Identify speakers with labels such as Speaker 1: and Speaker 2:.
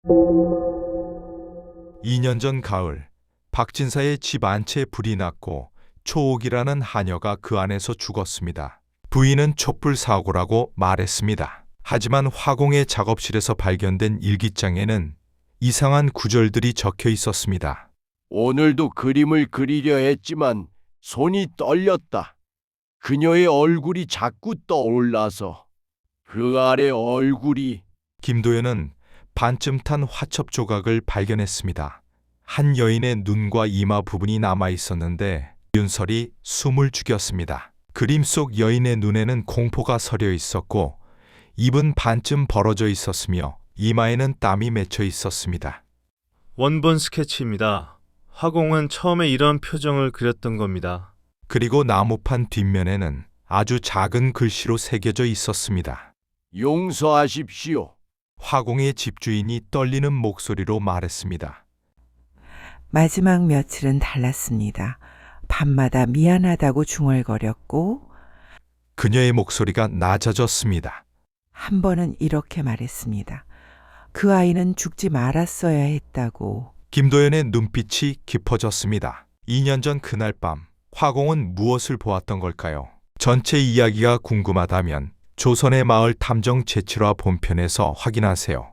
Speaker 1: 2년 전 가을, 박진사의 집 안채에 불이 났고 초옥이라는 하녀가 그 안에서 죽었습니다. 부인은 촛불 사고라고 말했습니다. 하지만 화공의 작업실에서 발견된 일기장에는 이상한 구절들이 적혀 있었습니다.
Speaker 2: 오늘도 그림을 그리려 했지만 손이 떨렸다. 그녀의 얼굴이 자꾸 떠올라서 그 아래 얼굴이.
Speaker 1: 김도연은 반쯤 탄 화첩 조각을 발견했습니다. 한 여인의 눈과 이마 부분이 남아 있었는데 윤설이 숨을 죽였습니다. 그림 속 여인의 눈에는 공포가 서려 있었고 입은 반쯤 벌어져 있었으며 이마에는 땀이 맺혀 있었습니다.
Speaker 3: 원본 스케치입니다. 화공은 처음에 이런 표정을 그렸던 겁니다.
Speaker 1: 그리고 나무판 뒷면에는 아주 작은 글씨로 새겨져 있었습니다.
Speaker 2: 용서하십시오.
Speaker 1: 화공의 집주인이 떨리는 목소리로 말했습니다.
Speaker 4: 마지막 며칠은 달랐습니다. 밤마다 미안하다고 중얼거렸고
Speaker 1: 그녀의 목소리가 낮아졌습니다.
Speaker 4: 한 번은 이렇게 말했습니다. 그 아이는 죽지 말았어야 했다고.
Speaker 1: 김도연의 눈빛이 깊어졌습니다. 2년 전 그날 밤, 화공은 무엇을 보았던 걸까요? 전체 이야기가 궁금하다면 조선의 마을 탐정 제7화 본편에서 확인하세요.